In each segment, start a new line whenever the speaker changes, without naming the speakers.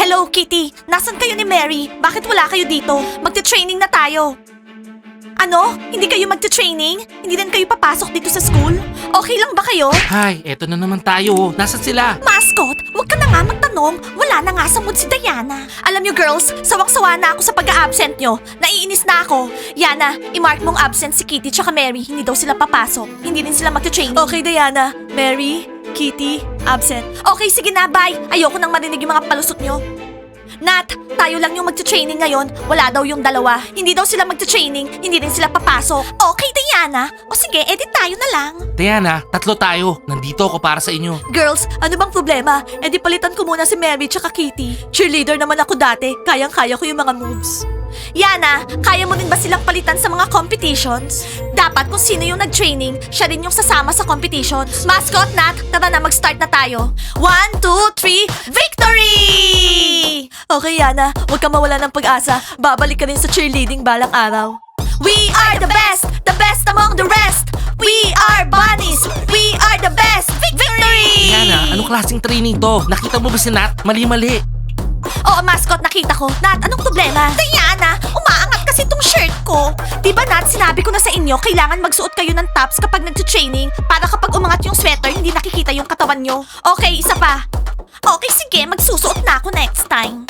Hello, Kitty. Nasaan kayo ni Mary? Bakit wala kayo dito? Magte-training na tayo. Ano? Hindi kayo magte-training? Hindi rin kayo papasok dito sa school? Okay lang ba kayo?
Hay, eto na naman tayo. Nasaan sila?
Mascot, wag ka na nga magtanong. Wala na nga sa mood si Diana. Alam niyo girls, sawang-sawa na ako sa pag-a-absent nyo. Naiinis na ako. Yana, i-mark mong absent si Kitty tsaka Mary. Hindi daw sila papasok. Hindi rin sila magte-training. Okay, Diana. Mary, Kitty, absent. Okay, sige na, bye. Ayoko nang marinig yung mga palusot nyo. Nat, tayo lang yung magte-training ngayon. Wala daw yung dalawa. Hindi daw sila magte-training. Hindi rin sila papasok. Okay, Diana. O sige, edit tayo na lang.
Diana, tatlo tayo. Nandito ako para sa inyo.
Girls, ano bang problema? Eh di palitan ko muna si Mary tsaka Kitty. Cheerleader naman ako dati. Kayang-kaya ko yung mga moves. Yana, kaya mo din ba silang palitan sa mga competitions? Dapat kung sino yung nag-training, siya rin yung sasama sa competitions. Mascot, Nat, tara na mag-start na tayo. 1, 2, 3, victory! Okay, Yana, huwag ka mawala ng pag-asa. Babalik ka rin sa cheerleading balang araw. We are the best among the rest. We are bunnies, we are the best. Victory!
Diana, anong klaseng training to? Nakita mo ba si Nat? Mali-mali.
Oo, mascot, nakita ko. Nat, anong problema? Diana, umaangat kasi tong shirt ko. Diba, Nat, sinabi ko na sa inyo, kailangan magsuot kayo ng tops kapag nag-training para kapag umangat yung sweater, hindi nakikita yung katawan nyo. Okay, isa pa. Okay, sige, magsusuot na ako next time.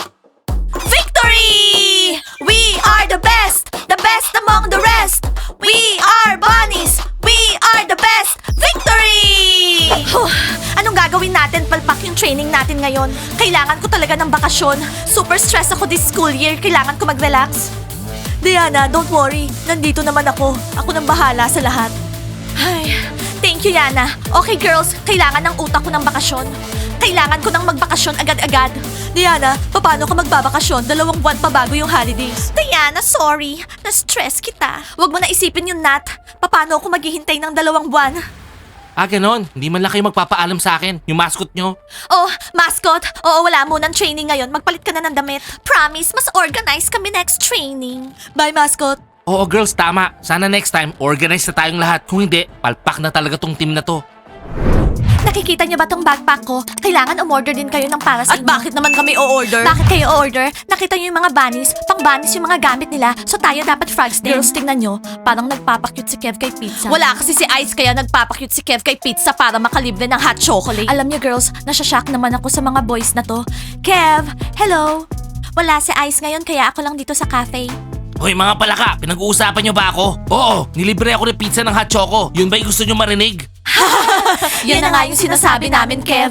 Victory! We are the best among the rest. We are bunnies, we are the best. Victory! Anong gagawin natin palpak yung training natin ngayon? Kailangan ko talaga ng bakasyon. Super stress ako this school year. Kailangan ko mag-relax. Diana, don't worry. Nandito naman ako. Ako nang bahala sa lahat. Ay, thank you, Yana. Okay, girls. Kailangan ng utak ko ng bakasyon. Kailangan ko ng magbakasyon agad-agad. Diana, paano ka magbabakasyon? 2 buwan pa bago yung holidays. Diana, sorry. Na-stress kita. Huwag mo na isipin yun, Nat. Paano ako maghihintay ng 2 buwan?
Ah, ganon. Hindi man lang kayo magpapaalam sa akin. Yung mascot nyo.
Oh, mascot. Oo, wala mo ng training ngayon. Magpalit ka na ng damit. Promise, mas organized kami next training. Bye, mascot.
Oo, girls, tama. Sana next time, organize na tayong lahat. Kung hindi, palpak na talaga tong team na to.
Nakikita niyo ba tong backpack ko? Kailangan umorder din kayo ng para sa inyo. At bakit naman kami o-order? Bakit kayo o-order? Nakita niyo yung mga bunnies? Pang bunnies yung mga gamit nila. So tayo dapat frogs din. Girls, tingnan niyo. Parang nagpapakyut si Kev kay Pizza. Wala kasi si Ice kaya nagpapakyut si Kev kay Pizza para makalibre ng hot chocolate. Alam niyo girls, nasyashock naman ako sa mga boys na to. Kev, hello! Wala si Ice ngayon kaya ako lang dito sa cafe.
Hoy mga palaka, pinag-uusapan nyo ba ako? Oo, nilibre ako ng pizza ng hot choco. Yun ba'y gusto nyo marinig?
Yan na nga yung sinasabi namin, Kev.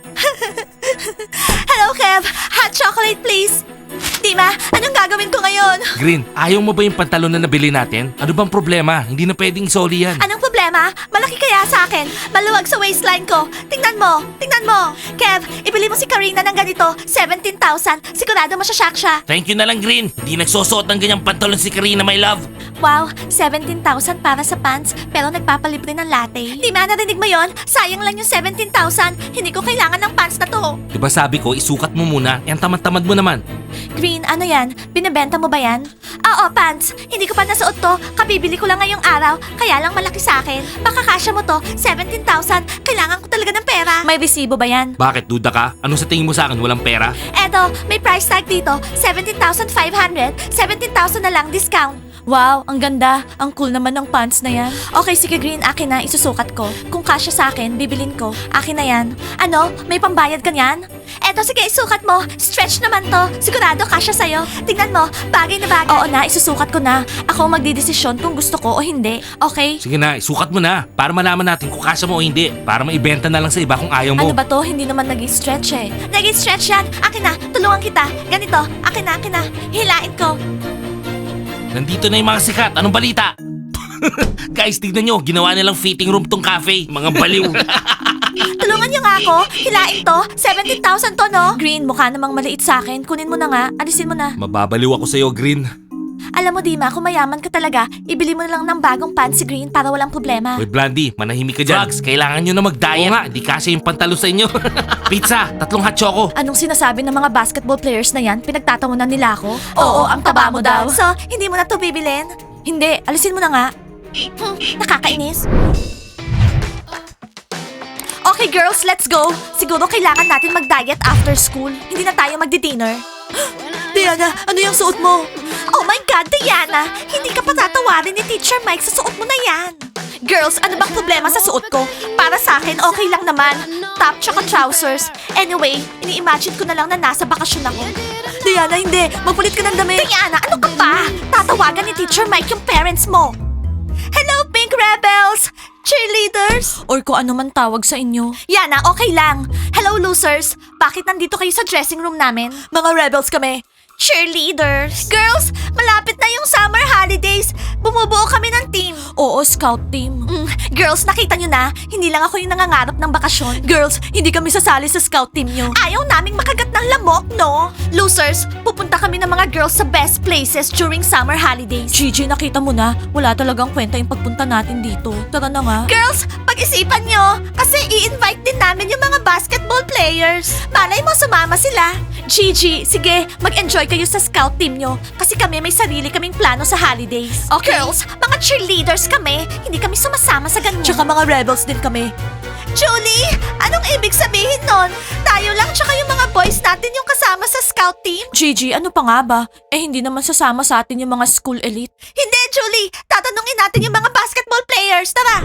Hello, Kev. Hot chocolate, please. Dima, anong gagawin ko ngayon?
Green, ayaw mo ba yung pantalon na nabili natin? Ano bang problema? Hindi na pwedeng isoli yan.
Anong problema? Malaki kaya sa akin. Maluwag sa waistline ko. Tingnan mo. Tingnan mo. Kev, ibili mo si Karina ng ganito. 17,000. Sigurado masyashock siya.
Thank you na lang, Green. Hindi nagsusuot ng ganyang pantalon si Karina, my love.
Wow, 17,000 para sa pants, pero nagpapalibre ng latte. Di ba narinig mo yon? Sayang lang yung 17,000. Hindi ko kailangan ng pants na to.
Diba sabi ko, isukat mo muna. Yan tamad-tamad mo naman.
Green, ano yan? Binibenta mo ba yan? Oo, pants. Hindi ko pa nasuot to. Kabibili ko lang ngayong araw, kaya lang malaki sa akin. Baka kasya mo to, 17,000. Kailangan ko talaga ng pera. May resibo ba yan?
Bakit, duda ka? Ano sa tingin mo sa akin? Walang pera?
Eto, may price tag dito. 17,500. 17,000 na lang discount. Wow, ang ganda. Ang cool naman ng pants na yan. Okay, sige Green, akin na. Isusukat ko. Kung kasya sa akin, bibilin ko. Akin na yan. Ano? May pambayad ka niyan? Eto, sige, isukat mo. Stretch naman to. Sigurado kasya sa'yo. Tingnan mo, bagay na bagay. Oo na, isusukat ko na. Ako ang magdidesisyon kung gusto ko o hindi. Okay?
Sige na, isukat mo na. Para malaman natin kung kasya mo o hindi. Para maibenta na lang sa iba kung ayaw mo.
Ano ba to? Hindi naman nag-stretch eh. Nag-stretch yan. Akin na, tulungan kita. Ganito, akin na. Hilain ko.
Nandito na yung mga sikat. Anong balita? Guys, tignan nyo. Ginawa nilang fitting room tong cafe. Mga baliw.
Tulungan niyo nga ako. Hilain to. 17,000 to, no? Green, mukha namang maliit sa akin. Kunin mo na nga. Alisin mo na.
Mababaliw ako sa'yo, Green.
Alam mo, Dima, kung mayaman ka talaga, ibili mo na lang ng bagong pants si Green para walang problema.
Hoy, Blandy, manahimik ka dyan. Frogs, kailangan nyo na mag-diet. Oo nga, di kasi yung pantalo sa inyo. Pizza, 3 hot choco.
Anong sinasabi ng mga basketball players na yan? Pinagtatawanan nila ako? Oo, ang taba mo daw. So, hindi mo na to bibilin? Hindi, alisin mo na nga. Nakakainis. Okay girls, let's go. Siguro kailangan natin mag-diet after school. Hindi na tayo magdi-dinner. Diana, ano yung suot mo? Oh my God, Diana! Hindi ka patatawarin ni Teacher Mike sa suot mo na yan. Girls, ano bang problema sa suot ko? Para sa akin, okay lang naman. Top tsaka trousers. Anyway, ini-imagine ko na lang na nasa bakasyon ako. Diana, hindi. Magpulit ka ng damit. Diana, ano ka ba? Tatawagan ni Teacher Mike yung parents mo. Hello, Pink Rebels! Cheerleaders? Or kung ano man tawag sa inyo. Yana, okay lang. Hello, losers. Bakit nandito kayo sa dressing room namin? Mga rebels kami. Cheerleaders. Girls, malapit na yung summer holidays. Bumubuo kami ng team. Oo, scout team. Girls, nakita nyo na, hindi lang ako yung nangangarap ng bakasyon. Girls, hindi kami sasali sa scout team nyo. Ayaw naming makagat ng lamok, no? Losers, pupunta kami ng mga girls sa best places during summer holidays. Gigi, nakita mo na, wala talagang kwenta yung pagpunta natin dito. Tara na nga. Girls, pag-isipan nyo, kasi i-invite din namin yung mga basketball players. Malay mo, sumama sila. Gigi, sige, mag-enjoy kayo sa scout team nyo kasi kami may sarili kaming plano sa holidays. Okay? Girls, mga cheerleaders kami, hindi kami sumasama sa ganyan. Tsaka mga rebels din kami. Julie, anong ibig sabihin nun? Tayo lang tsaka yung mga boys natin yung kasama sa scout team? Gigi, ano pa nga ba? Eh hindi naman sasama sa atin yung mga school elite. Hindi, Julie! Tatanungin natin yung mga basketball players, tara!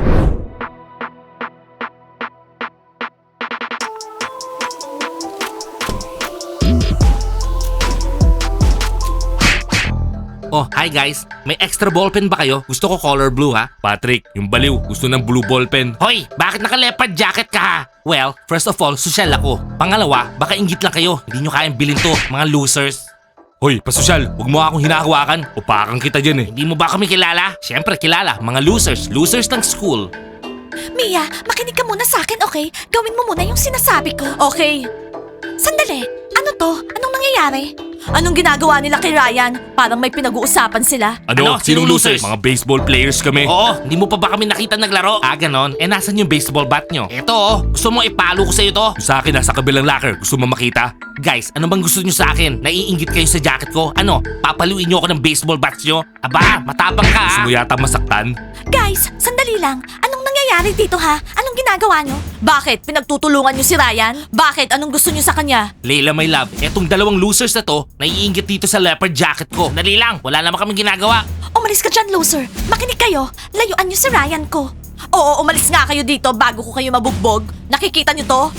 Oh, hi guys. May extra ballpen ba kayo? Gusto ko color blue ha. Patrick, yung baliw, gusto ng blue ballpen. Hoy, bakit naka-leopard jacket ka ha? Well, first of all, social ako. Pangalawa, baka inggit lang kayo. Hindi nyo kayang bilhin to, mga losers. Hoy, pasosyal, huwag mo akong hinahawakan. Upakan kita dyan eh. Hindi mo ba kami kilala? Siyempre kilala, mga losers. Losers ng school.
Mia, makinig ka muna sa akin, okay? Gawin mo muna yung sinasabi ko. Okay. Sandali, ano to? Anong nangyayari? Anong ginagawa nila kay Ryan? Parang may pinag-uusapan sila.
Ano? Sinong losers? Mga baseball players kami. Oo, hindi mo pa ba kami nakita naglaro? Ah, ganon. Eh, nasan yung baseball bat nyo? Eto oh, gusto mo ipalo ko sa'yo to? Sa akin, nasa kabilang locker. Gusto mo makita? Guys, ano bang gusto nyo sa akin? Naiinggit kayo sa jacket ko? Ano? Papaluin nyo ako ng baseball bats nyo? Aba, matapang ka. Gusto mo yata masaktan?
Guys, sandali lang. Anong nangyayari dito ha? Anong ginagawa nyo? Bakit? Pinagtutulungan nyo si Ryan? Bakit? Anong gusto nyo sa kanya?
Leila, my love, etong dalawang losers na to, naiinggit dito sa leopard jacket ko. Dali lang, wala naman kaming ginagawa.
Umalis ka dyan, loser. Makinig kayo. Layuan nyo si Ryan ko. Oo, umalis nga kayo dito bago ko kayo mabugbog. Nakikita nyo to?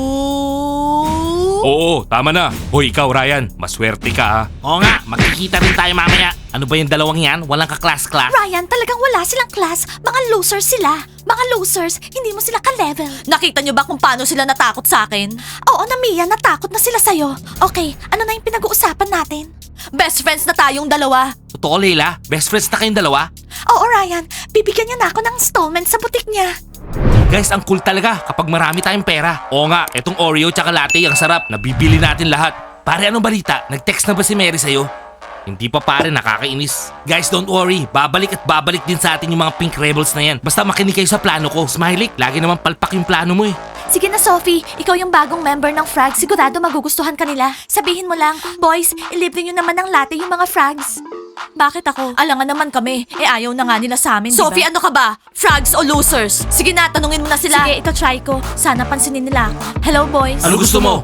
Ooh.
Oo, tama na. Hoy, ikaw, Ryan, maswerte ka ha. Oo nga, makikita rin tayo mamaya. Ano ba yung dalawang yan? Walang ka-class-class?
Ryan, talagang wala silang class. Mga losers sila. Mga losers, hindi mo sila ka-level. Nakita nyo ba kung paano sila natakot sa akin? Oo na, Mia, natakot na sila sa'yo. Okay, ano na yung pinag-uusapan natin? Best friends na tayong dalawa.
Totoo, Leila? Best friends na kayong dalawa?
Oo, Ryan, bibigyan niya na ako ng installment sa butik niya.
Guys, ang cool talaga kapag marami tayong pera. Oo nga, etong Oreo tsaka latte ang sarap. Nabibili natin lahat. Pare, anong balita? Nag-text na ba si Mary sa'yo? Hindi pa pare, nakakainis. Guys, don't worry. Babalik at babalik din sa atin yung mga pink rebels na yan. Basta makinig kayo sa plano ko. Smiley, lagi naman palpak yung plano mo eh.
Sige na, Sophie. Ikaw yung bagong member ng Frag. Sigurado magugustuhan ka nila. Sabihin mo lang, boys, ilibre nyo naman ng latte yung mga Frags. Bakit ako? Alangan naman kami. Eh ayaw na nga nila sa amin, Sophie, ano ka ba? Frags o losers? Sige na, tanungin mo na sila. Sige, ito try ko. Sana pansinin nila ako. Hello, boys.
Ano gusto mo?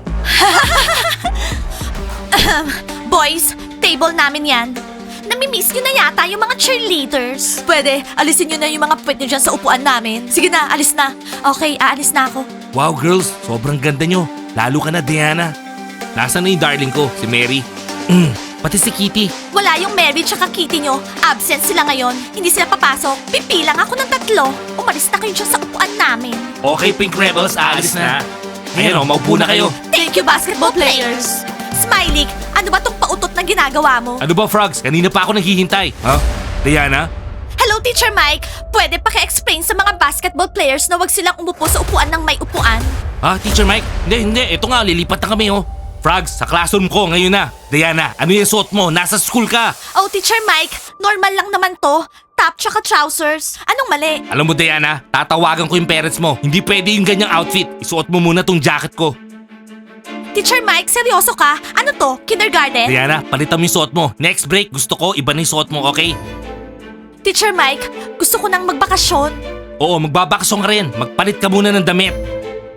Boys, table namin yan. Namimiss nyo na yata yung mga cheerleaders. Pwede, alisin nyo na yung mga puwet nyo dyan sa upuan namin. Sige na, alis na. Okay, aalis na ako.
Wow, girls, sobrang ganda nyo. Lalo ka na, Diana. Nasaan na yung darling ko, si Mary? Pati si Kitty.
Wala yung Mary tsaka Kitty nyo. Absent sila ngayon. Hindi sila papasok. Pipilang ako ng 3. Umalis na kayo dyan sa upuan namin.
Okay, Pink Rebels, aalis na. Ngayon, maupo na kayo.
Thank you, basketball players. Smiley, ano ba tong pautot na ginagawa mo?
Ano ba, Frogs? Kanina pa ako naghihintay. Ha? Diana?
Hello, Teacher Mike. Pwede paki-explain sa mga basketball players na wag silang umupo sa upuan ng may upuan?
Ha, Teacher Mike? Hindi. Ito nga, lilipat na kami, oh. Frogs, sa classroom ko ngayon na. Diana, ano yung suot mo? Nasa school ka.
Oh, Teacher Mike, normal lang naman to. Top tsaka trousers. Anong mali?
Alam mo, Diana, tatawagan ko yung parents mo. Hindi pwede yung ganyang outfit. Isuot mo muna tong jacket ko.
Teacher Mike, seryoso ka? Ano to? Kindergarten?
Diana, palitan mo yung suot mo. Next break, gusto ko iba na yung suot mo, okay?
Teacher Mike, gusto ko nang magbakasyon.
Oo, magbabakasyon ka rin. Magpalit ka muna ng damit.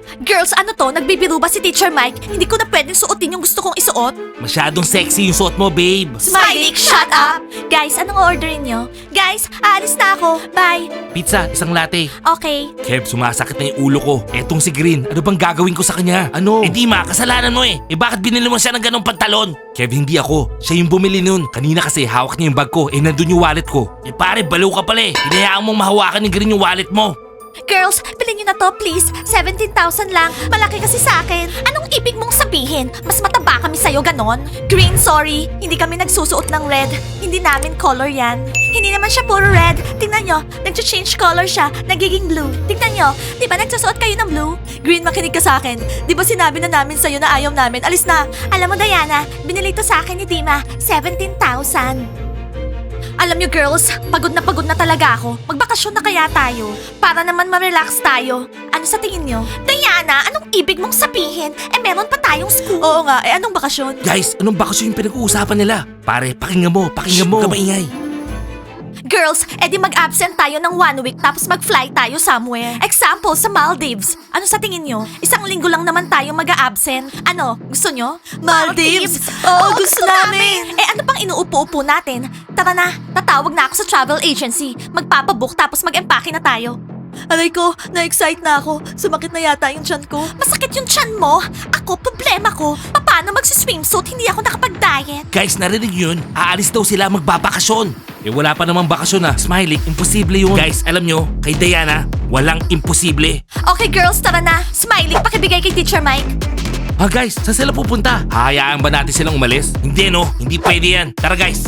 Girls, ano to? Nagbibiro ba si Teacher Mike? Hindi ko na pwedeng suotin yung gusto kong isuot.
Masyadong sexy yung suot mo, babe.
Smiley, shut up! Guys, anong orderin nyo? Guys, aalis na ako. Bye.
Pizza, isang latte.
Okay.
Kev, sumasakit na yung ulo ko. Etong si Green, ano bang gagawin ko sa kanya? Ano? Eh di ma, kasalanan mo eh. Eh bakit binili mo siya ng ganong pantalon? Kev, hindi ako. Siya yung bumili nun. Kanina kasi hawak niya yung bag ko. Eh nandun yung wallet ko. Eh pare, baliw ka pala eh. Hinayaan mong mahawakan ni Green yung wallet mo.
Girls, bilhin nyo na to, please. 17,000 lang. Malaki kasi sa akin. Anong ibig mong sabihin? Mas mataba kami sa'yo, ganon? Green, sorry. Hindi kami nagsusuot ng red. Hindi namin color yan. Hindi naman siya puro red. Tingnan nyo, nag-change color siya. Nagiging blue. Tingnan nyo, di ba nagsusuot kayo ng blue? Green, makinig ka sa akin. Di ba sinabi na namin sa'yo na ayaw namin? Alis na. Alam mo, Diana, binili to sa akin ni Dima. 17,000. Alam niyo girls, pagod na talaga ako. Magbakasyon na kaya tayo. Para naman ma-relax tayo. Ano sa tingin niyo? Diana, anong ibig mong sabihin? Eh meron pa tayong school. Oo nga, eh anong bakasyon?
Guys, anong bakasyon yung pinag-uusapan nila? Pare, pakinggan mo, pakinggan mo. Huwag ka maingay.
Girls, edi mag-absent tayo ng 1 week tapos mag-fly tayo somewhere. Example, sa Maldives. Ano sa tingin nyo? Isang linggo lang naman tayo mag-absent. Ano, gusto nyo? Maldives? Oo, gusto namin! Eh ano pang inuupo-upo natin? Tara na, tatawag na ako sa travel agency. Magpapabook tapos mag-empake na tayo. Aray ko, na-excite na ako. Sumakit na yata yung tiyan ko. Masakit yung tiyan mo? Ako, problema ko. Paano magsiswimsuit? Hindi ako nakapag-diet.
Guys, narinig yun? Aalis daw sila magbabakasyon. Eh wala pa namang bakasyon ah. Smiley, imposible yun. Guys, alam nyo, kay Diana, walang imposible.
Okay girls, tara na. Smiley, pakibigay kay Teacher Mike.
Ah guys, saan sila pupunta? Hahayaan ba natin silang umalis? Hindi no, hindi pwede yan. Tara guys.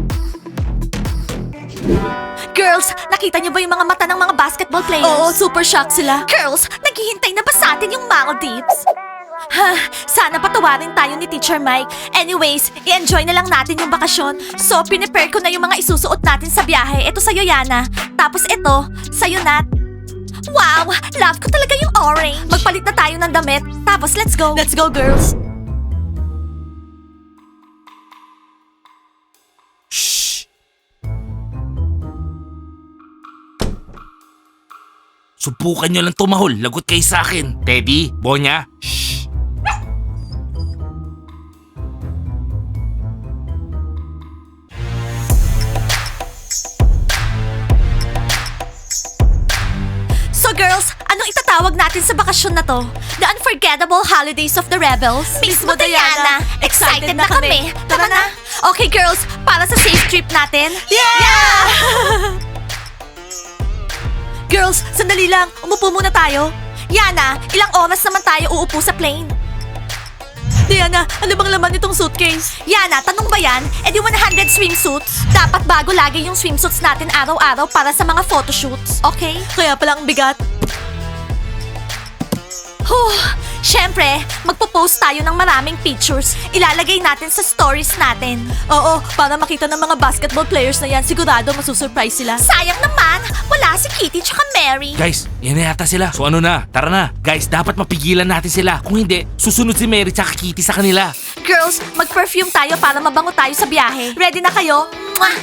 Girls, nakita niyo ba yung mga mata ng mga basketball players? Oo, super shocked sila. Girls, naghihintay na ba sa atin yung Maldives? Ha, sana patawarin tayo ni Teacher Mike. Anyways, i-enjoy na lang natin yung bakasyon. So, pinipare ko na yung mga isusuot natin sa biyahe. Ito sa'yo, Yana. Tapos ito, sa'yo, Nat. Wow, love ko talaga yung orange. Magpalit na tayo ng damit. Tapos, let's go. Let's go, girls.
Shh! Subukan nyo lang tumahol. Lagot kayo sa akin. Teddy, Bonya, shh!
So girls, anong itatawag natin sa bakasyon na to? The Unforgettable Holidays of the Rebels? Mismo, Diana! Excited na kami! Tara na! Okay girls, para sa safe trip natin? Yeah! Girls, sandali lang. Umupo muna tayo. Yana, ilang oras naman tayo uupo sa plane? Diana, ano bang laman nitong suitcase? Yana, tanong ba yan? E di 100 swimsuits? Dapat bago lagi yung swimsuits natin araw-araw para sa mga photoshoots, okay? Kaya pala ang bigat. Siyempre, magpo-post tayo ng maraming pictures. Ilalagay natin sa stories natin. Oo, para makita ng mga basketball players na yan, sigurado masusurprise sila. Sayang naman, wala si Kitty tsaka Mary.
Guys, yan na yata sila. So ano na? Tara na. Guys, dapat mapigilan natin sila. Kung hindi, susunod si Mary tsaka Kitty sa kanila.
Girls, mag-perfume tayo para mabango tayo sa biyahe. Ready na kayo? Mwah!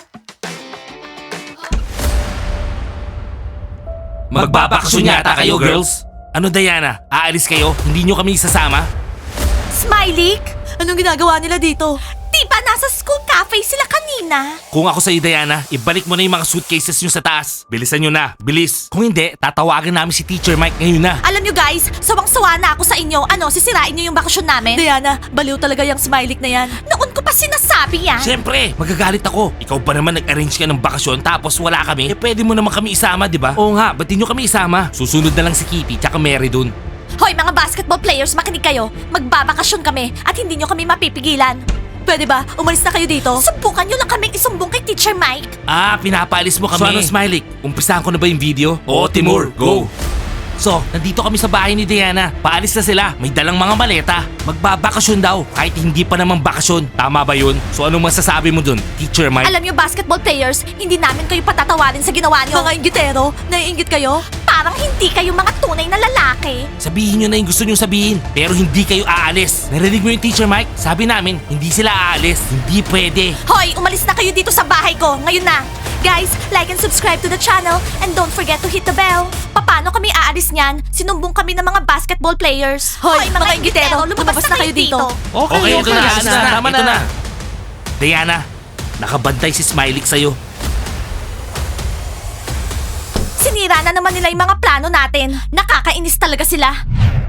Magbabakasyon yata kayo, girls. Ano Diana? Aalis kayo? Hindi nyo kami isasama?
Smiley? Anong ginagawa nila dito? Di ba nasa school cafe sila kanina?
Kung ako sa'yo Diana, ibalik mo na yung mga suitcases nyo sa taas. Bilisan nyo na. Bilis. Kung hindi, tatawagan namin si Teacher Mike ngayon na.
Alam nyo guys, sawang-sawa na ako sa inyo. Ano, sisirain nyo yung bakasyon namin? Diana, baliw talaga yung Smiley na yan. Noon ko pa sinasabi yan.
Siyempre, magagalit ako. Ikaw pa naman nag-arrange ka ng bakasyon tapos wala kami. Eh pwede mo naman kami isama, di ba? Oo nga, ba't di nyo kami isama? Susunod na lang si Kitty tsaka Mary dun.
Hoy mga basketball players, makinig kayo. Magbabakasyon kami at hindi nyo kami mapipigilan. Pwede ba? Umalis na kayo dito? Subukan nyo lang kaming isumbong kay Teacher Mike.
Ah, pinapaalis mo kami. So ano, Smiley? Umpisahan ko na ba yung video? Oo, Timur. Go! So, nandito kami sa bahay ni Diana. Paalis na sila. May dalang mga maleta. Magbabakasyon daw. Kahit hindi pa naman bakasyon. Tama ba yun? So anong masasabi mo dun, Teacher Mike?
Alam nyo basketball players, hindi namin kayo patatawarin sa ginawa nyo. Mga inggitero, naiinggit kayo? Parang hindi kayo mga tunay na lalaki.
Sabihin nyo na yung gusto nyo sabihin. Pero hindi kayo aalis. Narinig mo yung Teacher Mike? Sabi namin, hindi sila aalis. Hindi pwede.
Hoy, umalis na kayo dito sa bahay ko. Ngayon na. Guys, like and subscribe to the channel and don't forget to hit the bell. Paano kami aalis niyan? Sinumbong kami ng mga basketball players. Hoy, mga inggitero, lumabas na kayo dito.
Okay, ito na.
alis na. Tama
Ito
na.
na. Diana, nakabantay si Smiley sa'yo.
Sinira na naman nila yung mga plano natin. Nakakainis talaga sila.